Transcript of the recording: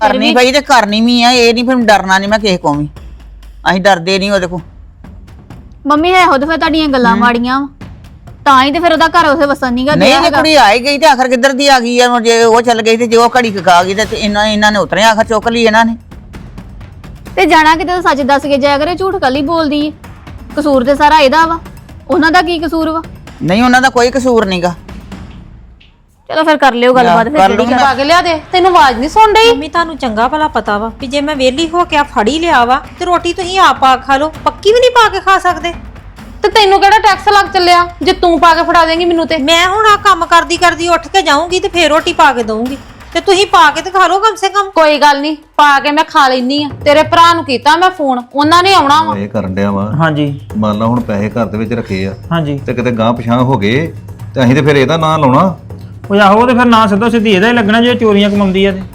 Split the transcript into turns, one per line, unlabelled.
ਕਰਨੀ ਪਈ ਤੇ ਕਰਨੀ ਵੀ ਆ, ਇਹ ਨਹੀਂ ਫਿਰ ਡਰਨਾ ਨਹੀਂ ਮੈਂ ਕਿਸੇ ਕੋਲੋਂ ਵੀ। ਅਸੀਂ ਡਰਦੇ ਨਹੀਂ ਉਹਦੇ ਕੋਲ।
ਮੰਮੀ ਹੈ ਉਹਦੇ ਫਿਰ ਤੁਹਾਡੀਆਂ ਗੱਲਾਂ ਮਾੜੀਆਂ ਤਾਂ ਹੀ ਤੇ ਫਿਰ ਉਹਦਾ ਘਰ ਉਸੇ ਵਸਣ ਨਹੀਂਗਾ
ਨਹੀਂ ਜੇ ਕੁੜੀ ਆਈ ਗਈ ਤੇ ਆਖਰ ਕਿੱਧਰ ਦੀ ਆ ਗਈ ਆ, ਜੇ ਉਹ ਚੱਲ ਗਈ ਤੇ ਜੇ ਉਹ ਘੜੀ ਖਾ ਗਈ ਤੇ ਇਹਨਾਂ ਨੇ ਉਤਰੇ ਆਖਰ ਚੁੱਕ ਲਈ ਇਹਨਾਂ ਨੇ।
ਤੇ ਜਾਣਾ ਕਿਤੇ ਸੱਚ ਦੱਸ ਕੇ ਜਾਇਆ ਕਰੇ, ਝੂਠ ਕੱਲੀ ਬੋਲਦੀ ਏ। ਕਸੂਰ ਤੇ ਸਾਰਾ ਇਹਦਾ ਵਾ, ਉਹਨਾਂ ਦਾ ਕੀ ਕਸੂਰ ਵਾ?
ਨਹੀਂ ਉਹਨਾਂ ਦਾ ਕੋਈ ਕਸੂਰ ਨਹੀਂਗਾ।
ਚਲੋ ਫਿਰ ਕਰ ਲਿਓ ਗੱਲਬਾਤ ਫਿਰ ਜਿਹੜੀ
ਪਾ ਕੇ ਲਿਆ ਦੇ, ਤੈਨੂੰ ਆਵਾਜ਼ ਨਹੀਂ ਸੁਣ ਰਹੀ?
ਮੰਮੀ ਤੁਹਾਨੂੰ ਚੰਗਾ ਭਲਾ ਪਤਾ ਵਾ ਵੀ ਜੇ ਮੈਂ ਵਿਹਲੀ ਹੋ ਕੇ ਆ ਫੜੀ ਲਿਆ ਵਾ ਤੇ ਰੋਟੀ ਤੁਸੀਂ ਆਪ ਪਾ ਖਾ ਲਓ, ਪੱਕੀ ਵੀ ਨਹੀਂ ਪਾ ਕੇ ਖਾ ਸਕਦੇ।
ਤੇ ਤੈਨੂੰ ਕਿਹੜਾ ਟੈਕਸ ਲੱਗ ਚੱਲਿਆ ਜੇ ਤੂੰ ਪਾ ਕੇ ਫੜਾ ਦੇਂਗੀ ਮੈਨੂੰ? ਤੇ
ਮੈਂ ਹੁਣ ਆ ਕੰਮ ਕਰਦੀ ਕਰਦੀ ਉੱਠ ਕੇ ਜਾਊਂਗੀ ਤੇ ਫੇਰ ਰੋਟੀ ਪਾ ਕੇ ਦਊਂਗੀ ਤੇ ਤੁਸੀਂ ਪਾ ਕੇ ਤੇ ਖਾ ਲਓ ਕਮ ਸੇ ਕਮ।
ਕੋਈ ਗੱਲ ਨਹੀਂ, ਪਾ ਕੇ ਮੈਂ ਖਾ ਲੈਣੀ ਆ। ਤੇਰੇ ਭਰਾ ਨੂੰ ਕੀਤਾ ਮੈਂ ਫੋਨ, ਉਹਨਾਂ ਨੇ ਆਉਣਾ ਵਾ।
ਇਹ ਕਰਨ ਡਿਆ ਵਾ।
ਹਾਂਜੀ
ਮੰਨ ਲਾ ਹੁਣ ਪੈਸੇ ਘਰ ਦੇ ਵਿੱਚ ਰੱਖੇ ਆ
ਹਾਂਜੀ।
ਤੇ ਕਿਤੇ ਗਾਂ ਪਛਾਂ ਹੋ ਗਏ ਤੇ ਅਸੀਂ ਤੇ ਫਿਰ ਇਹਦਾ ਨਾਂ ਲਾਉਣਾ।
ਉਹ ਆਹੋ ਤੇ ਫਿਰ ਨਾ ਸਿੱਧੋ ਸਿੱਧੀ ਇਹਦਾ ਹੀ ਲੱਗਣਾ ਜੇ ਚੋਰੀਆਂ ਕਮਾਉਂਦੀ ਆ ਤੇ